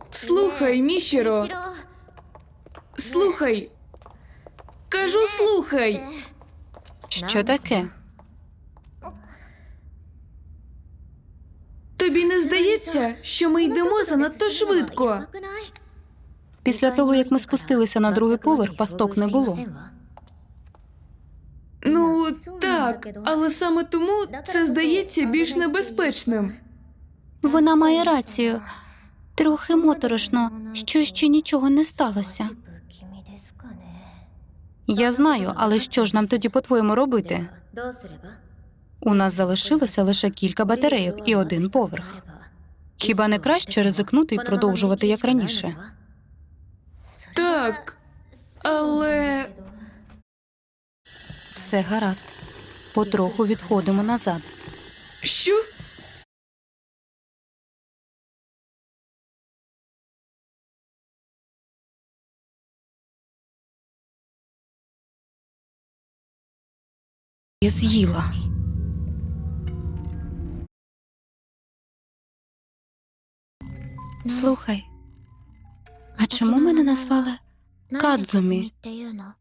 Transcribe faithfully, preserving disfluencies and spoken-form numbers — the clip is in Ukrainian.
Слухай, Мішіро. Слухай. Кажу, слухай. Що таке? Тобі не здається, що ми йдемо занадто швидко? Після того, як ми спустилися на другий поверх, пасток не було. Ну, так, але саме тому це здається більш небезпечним. Вона має рацію. Трохи моторошно, що ще нічого не сталося. Я знаю, але що ж нам тоді, по-твоєму, робити? У нас залишилося лише кілька батарейок і один поверх. Хіба не краще ризикнути і продовжувати як раніше? Так, але... Все гаразд. Потроху відходимо назад. Що? Я з'їла. Слухай, а чому мене назвали Кадзумі?